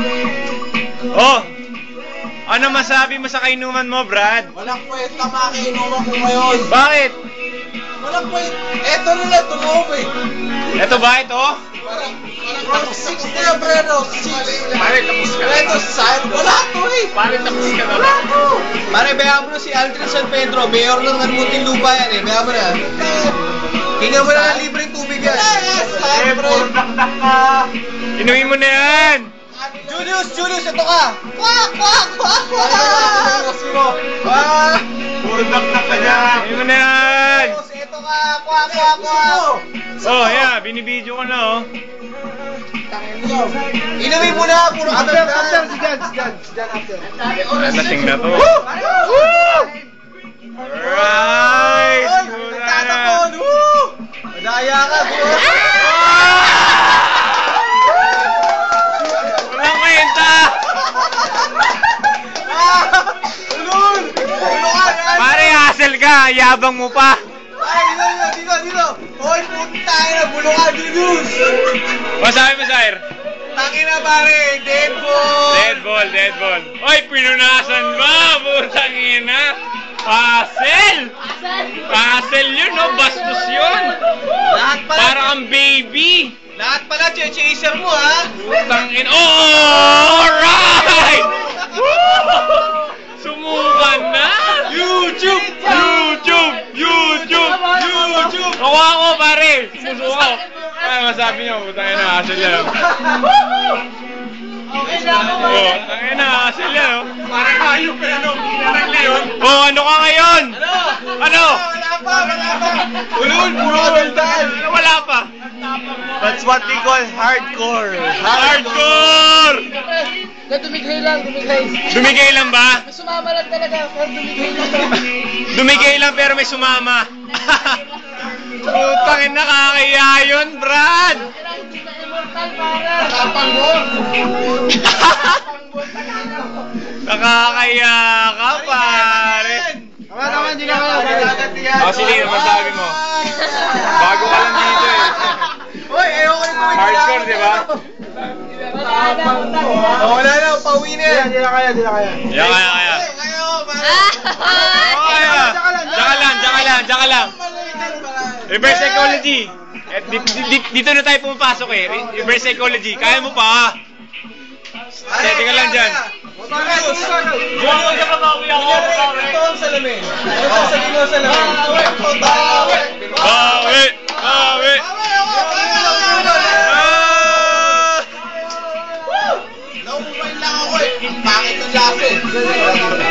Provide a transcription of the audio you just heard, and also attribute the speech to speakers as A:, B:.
A: Oh! Ano masabi mo sa kainuman mo, Brad?
B: Walang kwenta makiinuman ko ngayon.
A: Bakit?
B: Walang kwenta. Eto na lang, tumaw eh.
A: Ito ba ito?
B: From 6 na pre, no? 6.
C: Pare, tapos ka.
B: Ito, saan? Wala to eh.
C: Pare, tapos ka na.
B: Wala to.
D: Pare, bayaan mo na si Aldrin San Pedro. Mayor ng Munting Lupa yan eh. Bayaan mo na. Hinga mo na ng libreng tubig yan.
B: Saan, pre?
A: Inumin mo na yan!
D: Julius, ito ka!
B: Kwak, kwak, kwak, kwak.
C: Puro dakdak ka dyan.
A: Inumin mo na yan!
D: Julius, ito ka! Kwak, kwak, kwak!
A: Oh, yeah, binibidyo ko na, oh.
D: Inumin mo na! Puro
B: After, si Jan after.
A: Lasing na to. Alright!
D: Nagtatapon! Madaya ka!
A: Walang kwenta!
D: Ulul!
A: Pare, hassle ka! Yabang mo pa!
D: Ay, dito! Hoy, puta na! Bulungan, Julius!
A: Masabi mo, Sir?
D: Taki na pare! Dead ball!
A: Dead ball. Oy, pinunasan ba? Putang ina! Hassle! Hassle yun, no? Bastos yun!
D: Lahat pala!
A: Para kang baby!
D: Lahat pala, chaser mo ha!
A: Putang ina! Oh! Alright! Woo! Sumukan na! YouTube! Nakuha ko, pare! Sumusuka ko! Ano masabi niyo? Putang ina, hassle yan. Oh, tangin na, hassle yan, oh.
C: Parang hayop ka na, no? Parang leon.
A: Oh, ano ka ngayon? Ano?
D: Wala pa! Ulul, puro kabaldan!
A: Wala pa.
D: That's what we call hardcore!
A: Hardcore!
B: Dumigay lang.
A: Dumigay lang ba?
B: Sumama lang talaga, pero dumigay lang.
A: Dumigay lang pero may sumama. Putangin, nakakaya yun, Brad!
B: Immortal, para.
A: Nakakaya ka, pare.
B: Tama, hindi na kaya.
A: Oh, sige, masabi mo. Bago ka lang dito eh.
D: Hoy, ayoko nito!
A: Hardcore, di ba?
D: Wala na, pauwi na yan!
B: Hindi na kaya.
A: Yeah, kaya.
D: Kayo, pare!
A: Kaya. Tsaka lang. Reverse psychology. Dito na tayo pumapasok eh. Reverse psychology. Kaya mo pa. Sige ka lang dyan.
D: Julius, ito ang salamin. Ito ang salamin mo salamin.
A: Bawi!
B: Naumay lang ako eh. Bakit ang laso?